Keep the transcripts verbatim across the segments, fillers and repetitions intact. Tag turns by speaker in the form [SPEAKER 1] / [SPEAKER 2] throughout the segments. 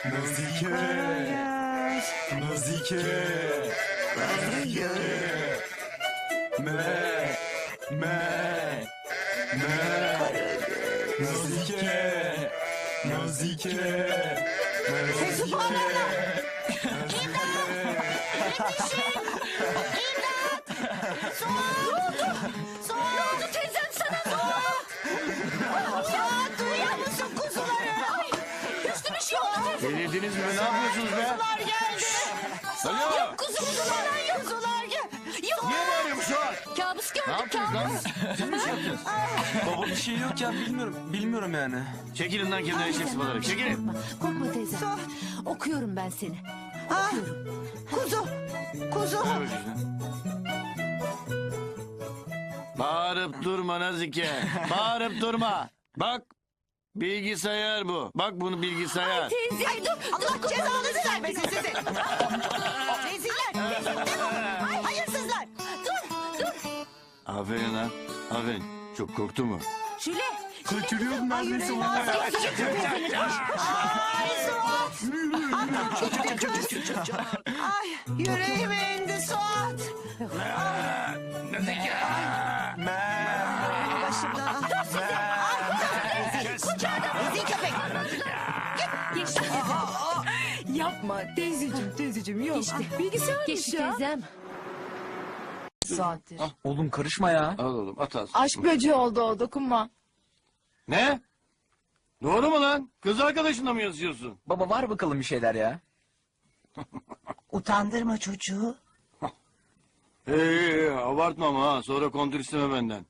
[SPEAKER 1] Nazike. Nazike. Nazike. Me. Me. Me. Nazike. Nazike.
[SPEAKER 2] Sesi bağırma. Ne oldu teyzem sana ne oldu? Ya duyuyor musun kuzuları? Ay, Hüsnü bir şey oldu teyzem.
[SPEAKER 3] Delirdiniz mi? Ne yapıyorsunuz be?
[SPEAKER 2] Kuzular geldi.
[SPEAKER 3] Alo.
[SPEAKER 2] Yok kuzu kuzular yok kuzular gel. Yok.
[SPEAKER 3] Niye bağırıyorsun şu an?
[SPEAKER 2] Kabus
[SPEAKER 3] Ne
[SPEAKER 2] gördük
[SPEAKER 3] yapıyorsunuz lan?
[SPEAKER 2] kabus.
[SPEAKER 3] Siz mi şey yapıyorsunuz?
[SPEAKER 1] Baba bir şey yok ya bilmiyorum. Bilmiyorum yani.
[SPEAKER 3] Çekilin lan kendine eşek sıfaları. Çekilin.
[SPEAKER 4] Korkma, korkma teyze. Okuyorum ben seni.
[SPEAKER 2] Ah, kuzu. Kuzu.
[SPEAKER 3] Ver bakayım şunu. Bağırıp durma Nazike. Bağırıp durma. Bak. Bilgisayar bu. Bak bunu bilgisayar.
[SPEAKER 2] Teyze. Ay dur. Allah cezanızı vermesin sizi. Reziller. Ay hayırsızlar. Dur dur.
[SPEAKER 3] Aferin lan. Aferin. Çok korktu mu?
[SPEAKER 2] Şule.
[SPEAKER 1] Kaçırıyordum neredeyse onu.
[SPEAKER 2] Ay Suat. Ay yüreğime indi Suat.
[SPEAKER 3] Nazike.
[SPEAKER 2] Başımdan. Dur sizi. Ay kucağına. Rezil köpek.
[SPEAKER 4] Geçti.
[SPEAKER 5] Yapma teyzeciğim teyzeciğim yok.
[SPEAKER 4] Geçti.
[SPEAKER 5] Bilgisayarmış
[SPEAKER 4] Geçti
[SPEAKER 5] ya.
[SPEAKER 4] teyzem.
[SPEAKER 5] Saattir.
[SPEAKER 1] Oğlum karışma ya.
[SPEAKER 3] Al oğlum at al.
[SPEAKER 5] Aşk böceği oldu o dokunma.
[SPEAKER 3] Ne? Doğru mu lan? Kız arkadaşınla mı yazıyorsun?
[SPEAKER 1] Baba var bakalım bir şeyler ya.
[SPEAKER 2] Utandırma çocuğu.
[SPEAKER 3] Hey, abartma ama ha. Sonra kontür isteme benden.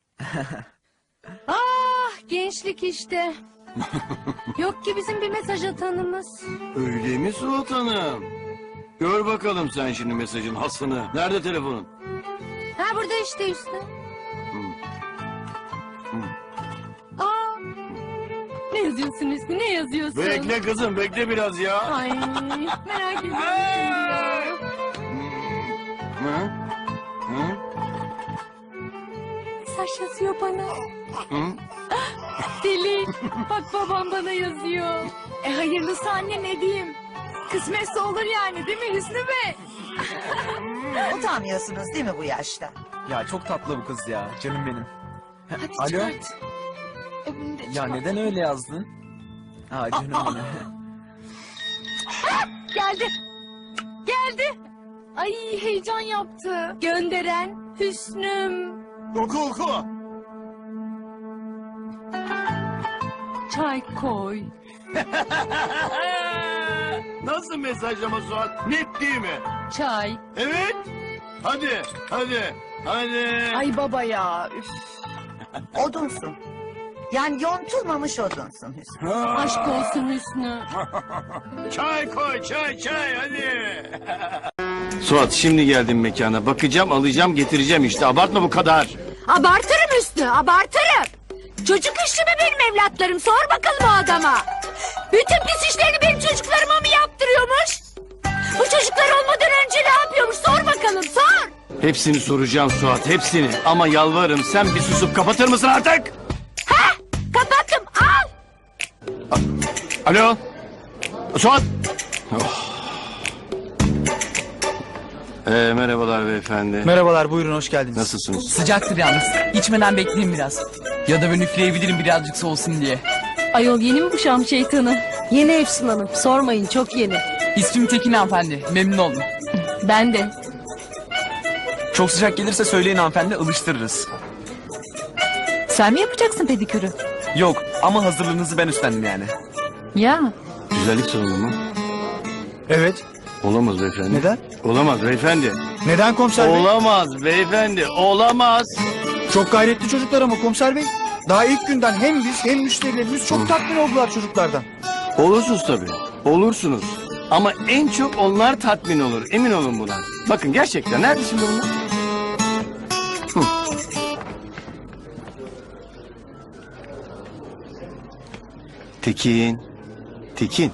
[SPEAKER 4] Ah gençlik işte. Yok ki bizim bir mesaj atanımız.
[SPEAKER 3] Öyle mi Suat Hanım? Gör bakalım sen şimdi mesajın hasını. Nerede telefonun?
[SPEAKER 4] Ha burada işte Hüsnü. Aa, ne yazıyorsun Hüsnü ne yazıyorsun?
[SPEAKER 3] Bekle kızım bekle biraz ya.
[SPEAKER 4] Ay merak ediyorum şimdi ya.
[SPEAKER 3] Hı? Hı?
[SPEAKER 4] Mesaj yazıyor bana.
[SPEAKER 3] Hı?
[SPEAKER 4] Deli. Bak babam bana yazıyor.
[SPEAKER 5] E hayırlısı anne ne diyeyim. Kısmetse olur yani değil mi Hüsnü Bey?
[SPEAKER 2] Utanmıyorsunuz değil mi bu yaşta?
[SPEAKER 1] Ya çok tatlı bu kız ya. Canım benim.
[SPEAKER 5] Hadi
[SPEAKER 1] Alo.
[SPEAKER 5] çıkart. E bunu da
[SPEAKER 1] Ya
[SPEAKER 5] çıkart.
[SPEAKER 1] neden öyle yazdın? Ha canım benim.
[SPEAKER 4] Geldi. Geldi. Ay heyecan yaptı. Gönderen Hüsnüm.
[SPEAKER 3] Oku oku.
[SPEAKER 4] Çay koy.
[SPEAKER 3] Nasıl mesajlama Suat? Net değil mi?
[SPEAKER 4] Çay.
[SPEAKER 3] Evet. Hadi hadi hadi.
[SPEAKER 5] Ay baba ya. Üf.
[SPEAKER 2] Odunsun. Yani yontulmamış odunsun Hüsnü.
[SPEAKER 3] Ha.
[SPEAKER 4] Aşk olsun Hüsnü.
[SPEAKER 3] Çay koy çay çay hadi. Suat şimdi geldim mekana. Bakacağım alacağım getireceğim işte. Abartma bu kadar.
[SPEAKER 4] Abartırım Hüsnü abartırım. Çocuk işi mi benim evlatlarım sor bakalım o adama. Bütün pis işlerini benim çocuklarıma mı yaptırıyormuş? Bu çocuklar olmadan önce ne yapıyormuş sor bakalım sor.
[SPEAKER 3] Hepsini soracağım Suat hepsini. Ama yalvarırım sen bir susup kapatır mısın artık?
[SPEAKER 4] Ha kapattım al.
[SPEAKER 3] Alo. Suat. Oh. Ee, merhabalar beyefendi.
[SPEAKER 6] Merhabalar, buyurun hoş geldiniz.
[SPEAKER 3] Nasılsınız?
[SPEAKER 6] Sıcaktır yalnız. İçmeden bekleyin biraz. Ya da ben üfleyebilirim birazcık soğusun diye.
[SPEAKER 4] Ayol yeni mi bu Şam şeytanı? Yeni Efsun Hanım sormayın çok yeni.
[SPEAKER 6] İsmim Tekin hanımefendi. Memnun oldum.
[SPEAKER 4] Ben de.
[SPEAKER 1] Çok sıcak gelirse söyleyin hanımefendi alıştırırız.
[SPEAKER 4] Sen mi yapacaksın pedikürü?
[SPEAKER 1] Yok ama hazırlığınızı ben üstlendim yani.
[SPEAKER 4] Ya.
[SPEAKER 3] Güzellik sorunu mu?
[SPEAKER 6] Evet.
[SPEAKER 3] Olamaz beyefendi.
[SPEAKER 6] Neden?
[SPEAKER 3] Olamaz beyefendi.
[SPEAKER 6] Neden komiser bey?
[SPEAKER 3] Olamaz beyefendi. Olamaz.
[SPEAKER 6] Çok gayretli çocuklar ama komiser bey. Daha ilk günden hem biz hem müşterilerimiz çok tatmin oldular çocuklardan.
[SPEAKER 3] Olursunuz tabii. Olursunuz. Ama en çok onlar tatmin olur. Emin olun buna. Bakın gerçekten. Nerede şimdi bunlar? Hı. Tekin. Tekin.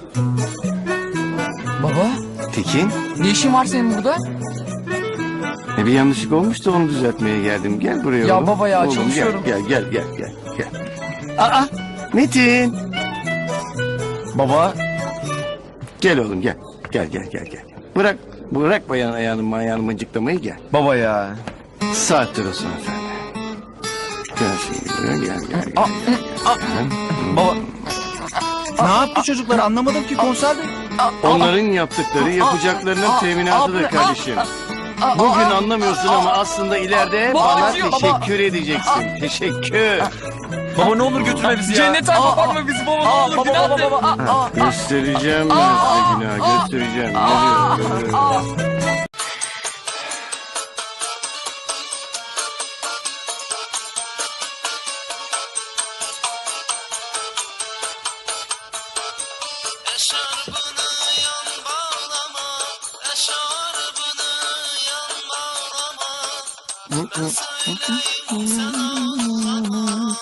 [SPEAKER 6] Baba,
[SPEAKER 3] Tekin.
[SPEAKER 6] ne işin var senin burada?
[SPEAKER 3] E bir yanlışlık olmuş da onu düzeltmeye geldim. Gel buraya
[SPEAKER 6] Ya
[SPEAKER 3] oğlum.
[SPEAKER 6] baba ya,
[SPEAKER 3] Oğlum,
[SPEAKER 6] çalışıyorum.
[SPEAKER 3] Gel gel gel gel. gel. Aa Metin.
[SPEAKER 1] Baba
[SPEAKER 3] Gel oğlum gel. Gel gel gel gel. Bırak bırak bayan ayağını ayağını mıncıklamayı gel.
[SPEAKER 1] Baba ya.
[SPEAKER 3] Saattir olsun efendim. Gel şimdi gel gel gel.
[SPEAKER 1] Baba.
[SPEAKER 6] Ne yaptı çocuklar anlamadım ki komiser bey.
[SPEAKER 3] Onların yaptıkları yapacaklarının teminatıdır kardeşim. Bugün anlamıyorsun ama aslında ileride bana
[SPEAKER 1] acıyor, baba.
[SPEAKER 3] teşekkür edeceksin. Teşekkür.
[SPEAKER 1] Baba ne olur götürme bizi ya.
[SPEAKER 7] Cennete koparma bizi baba ne olur günah de.
[SPEAKER 3] Göstereceğim ben size günah göstereceğim. Geliyorum.
[SPEAKER 8] Eşarbını yan bağlama, eşarbını yan bağlama. Ben söyleyeyim sen ağlama.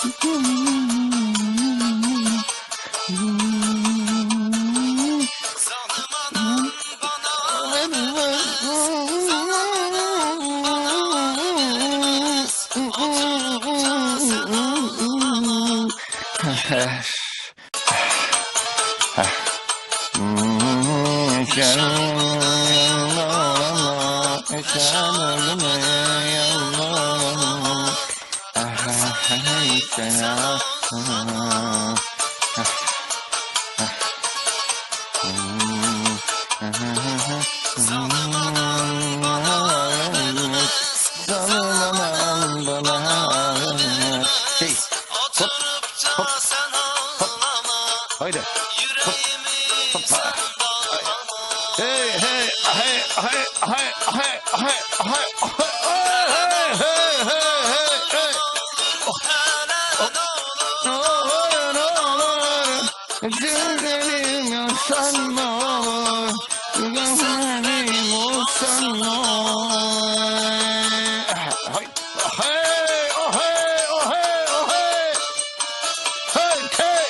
[SPEAKER 8] Zalim anam bana vermez, zalim anam bana vermez. Oturupça sen ağlama. Oturupça sen ağlama.
[SPEAKER 3] Haydi.
[SPEAKER 8] Yüreğimi sen bağlama.
[SPEAKER 3] Hey hey hey hey hey hey hey hey hey hey hey hey. Gözlerim yansan ne olur, gözlerim olsan ne olur. Hey hey oh hey oh hey oh hey. Hey hey.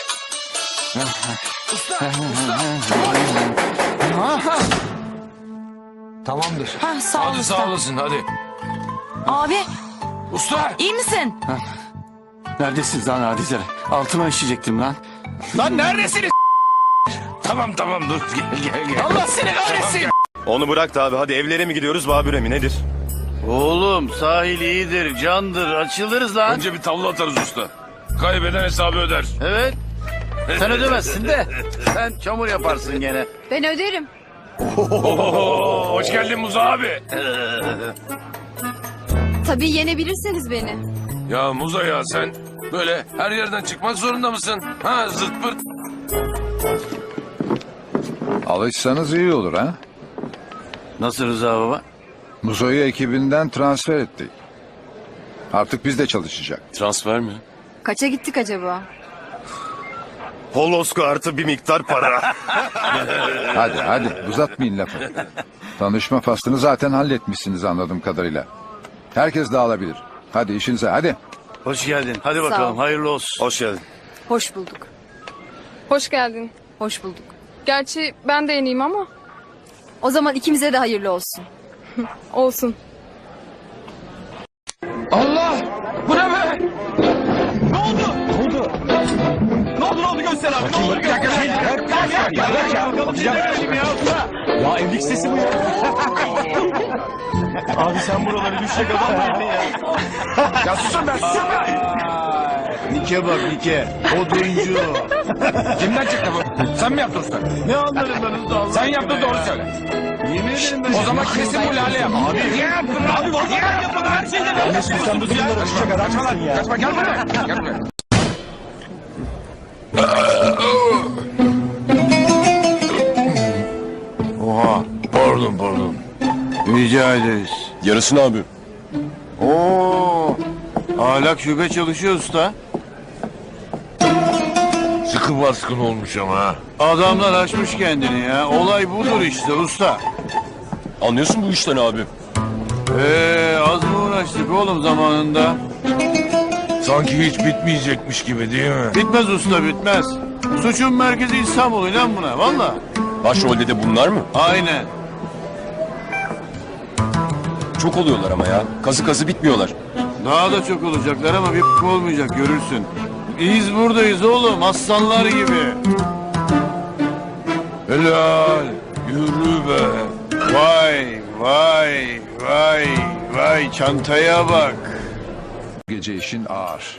[SPEAKER 7] Tamamdır.
[SPEAKER 5] Ha, sağ ol
[SPEAKER 7] Hadi
[SPEAKER 5] usta.
[SPEAKER 7] sağ olasın hadi.
[SPEAKER 5] Abi
[SPEAKER 7] Usta.
[SPEAKER 5] iyi misin?
[SPEAKER 3] Neredesiniz lan hadisler? Altıma işeyecektim lan. Lan neredesiniz?
[SPEAKER 7] Tamam tamam dur gel gel gel.
[SPEAKER 3] Allah seni kahretsin.
[SPEAKER 9] Onu bırak da abi hadi evlere mi gidiyoruz Babür'e mi nedir?
[SPEAKER 3] Oğlum sahil iyidir, candır, açılırız lan.
[SPEAKER 7] Önce bir tavla atarız usta. Kaybeden hesabı öder.
[SPEAKER 3] Evet. Sen ödemezsin de. Sen çamur yaparsın gene.
[SPEAKER 5] Ben öderim.
[SPEAKER 7] Oo, hoş geldin Muza abi.
[SPEAKER 5] Tabii yenebilirseniz beni.
[SPEAKER 7] Ya Muza ya sen böyle her yerden çıkmak zorunda mısın? Ha zırt pırt.
[SPEAKER 10] Alışsanız iyi olur ha.
[SPEAKER 3] Nasıl Rıza baba?
[SPEAKER 10] Muzo'yu ekibinden transfer ettik. Artık bizde çalışacak.
[SPEAKER 9] Transfer mi?
[SPEAKER 5] Kaça gittik acaba?
[SPEAKER 9] Holosko artı bir miktar para.
[SPEAKER 10] Hadi hadi uzatmayın lafı. Tanışma faslını zaten halletmişsiniz anladığım kadarıyla. Herkes dağılabilir. Hadi işinize hadi.
[SPEAKER 3] Hoş geldin. Hadi
[SPEAKER 5] Sağ
[SPEAKER 3] bakalım
[SPEAKER 5] ol.
[SPEAKER 3] hayırlı olsun.
[SPEAKER 9] Hoş geldin.
[SPEAKER 5] Hoş bulduk.
[SPEAKER 11] Hoş geldin.
[SPEAKER 5] Hoş bulduk.
[SPEAKER 11] Gerçi ben de yeniyim ama
[SPEAKER 5] O zaman ikimize de hayırlı olsun.
[SPEAKER 11] olsun.
[SPEAKER 1] Allah! Bu ne be? Ne oldu? Ne oldu? Ne oldu ne oldu göster abi. Ne oldu? Bir dakika bir dakika. Gel gel gel. Gel bakalım bir dakika ya usta. Ya evlilik sesi bu ya. Abi sen buraları düşecek adam mıydın ya? Ya susun ben susun ben.
[SPEAKER 6] Nike bak Nike. Oduncu.
[SPEAKER 1] Kimden çıktı bu? Sen mi yaptın usta?
[SPEAKER 6] Ne anlarım ben usta Allah
[SPEAKER 1] Sen
[SPEAKER 6] aşkına
[SPEAKER 1] yaptın
[SPEAKER 6] ya.
[SPEAKER 1] doğru söyle.
[SPEAKER 6] Yemin ederim ben.
[SPEAKER 1] O zaman kesin bu Lale yap. Abi niye yaptın? Abi vallahi yaptın her şeyden. Ne sen bu durumda düşecek adam mısın ya? Kaçma gel buraya. Gel buraya.
[SPEAKER 3] Oha.
[SPEAKER 7] Pardon pardon.
[SPEAKER 3] Rica ederiz.
[SPEAKER 9] Yarısını abi.
[SPEAKER 3] Oo. Ahlak şube çalışıyor usta.
[SPEAKER 7] Sıkı baskın olmuş ama ha.
[SPEAKER 3] Adamlar açmış kendini ya. Olay budur işte usta.
[SPEAKER 9] Anlıyorsun bu işten abi.
[SPEAKER 3] Ee, az mı uğraştık oğlum zamanında?
[SPEAKER 7] Sanki hiç bitmeyecekmiş gibi değil mi?
[SPEAKER 3] Bitmez usta bitmez. Suçun merkezi İstanbul inan buna valla.
[SPEAKER 9] Başrolde de bunlar mı?
[SPEAKER 3] Aynen.
[SPEAKER 9] Çok oluyorlar ama ya. Kazı kazı bitmiyorlar.
[SPEAKER 3] Daha da çok olacaklar ama bir p- olmayacak görürsün. Biz buradayız oğlum aslanlar gibi.
[SPEAKER 1] Helal. Yürü be. Vay vay vay vay çantaya bak.
[SPEAKER 10] Gece işin ağır.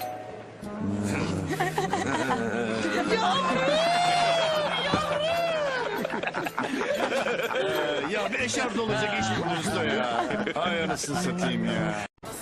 [SPEAKER 1] Ya bir eşarp olacak iş buluruz da ya. Ay anasını satayım ya.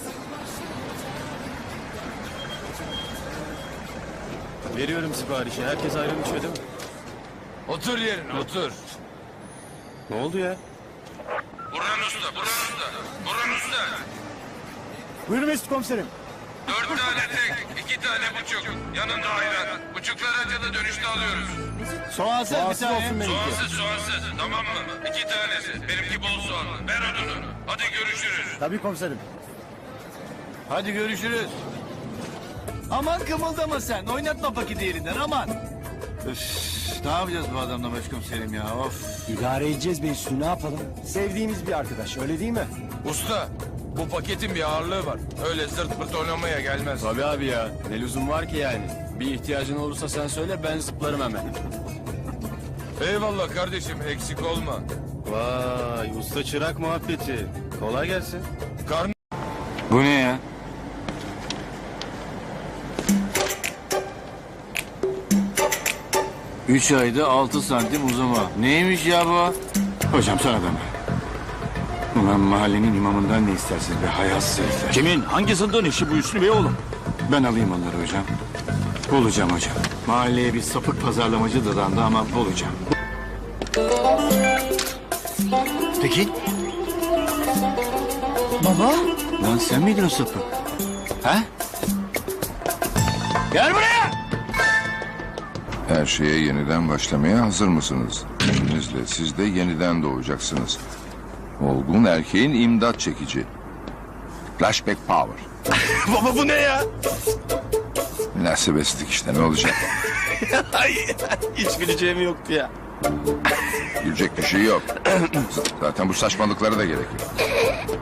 [SPEAKER 1] Veriyorum siparişi. Herkes ayrı içiyor değil mi?
[SPEAKER 7] Otur yerine otur.
[SPEAKER 1] Ne oldu ya?
[SPEAKER 7] Burhan Usta, Burhan Usta, Burhan Usta.
[SPEAKER 1] Buyurun Mesut komiserim.
[SPEAKER 7] Dört tane tek, iki tane buçuk. Yanında ayran. Buçuklar acılı dönüşte alıyoruz.
[SPEAKER 1] Soğansız bir tane. Olsun benimki.
[SPEAKER 7] Soğansız soğansız tamam mı? İki tanesi. Benimki bol soğanlı. Ver odunu. Hadi görüşürüz.
[SPEAKER 1] Tabii komiserim. Hadi görüşürüz. Aman kımıldama sen. Oynatma paketi yerinden aman. Üf, ne yapacağız bu adamla başkomiserim ya of.
[SPEAKER 6] İdare edeceğiz be Hüsnü, ne yapalım? Sevdiğimiz bir arkadaş, öyle değil mi?
[SPEAKER 7] Usta, bu paketin bir ağırlığı var. Öyle zırt pırt oynamaya gelmez.
[SPEAKER 9] Tabii abi ya. Ne lüzum var ki yani? Bir ihtiyacın olursa sen söyle ben zıplarım hemen.
[SPEAKER 7] Eyvallah kardeşim, eksik olma.
[SPEAKER 1] Vay usta çırak muhabbeti. Kolay gelsin.
[SPEAKER 7] Karn
[SPEAKER 3] Bu ne ya? Üç ayda altı santim uzama. Neymiş ya bu? Hocam sana da mı? Ulan mahallenin imamından ne istersiniz be hayasız herifler.
[SPEAKER 1] Kimin? Hangi zındığın işi bu Hüsnü Bey oğlum?
[SPEAKER 3] Ben alayım onları hocam. Bulacağım hocam. Mahalleye bir sapık pazarlamacı dadandı ama bulacağım.
[SPEAKER 1] Peki.
[SPEAKER 3] Baba? Lan sen miydin o sapık? He? Gel buraya!
[SPEAKER 10] Her şeye yeniden başlamaya hazır mısınız? İzninizle siz de yeniden doğacaksınız. Olgun erkeğin imdat çekici. Flashback power.
[SPEAKER 1] Baba bu ne ya?
[SPEAKER 10] Münasebetsizlik işte, ne olacak?
[SPEAKER 1] Ay, hiç bileceğim yoktu ya.
[SPEAKER 10] Gülecek bir şey yok. Zaten bu saçmalıklara da gerek yok.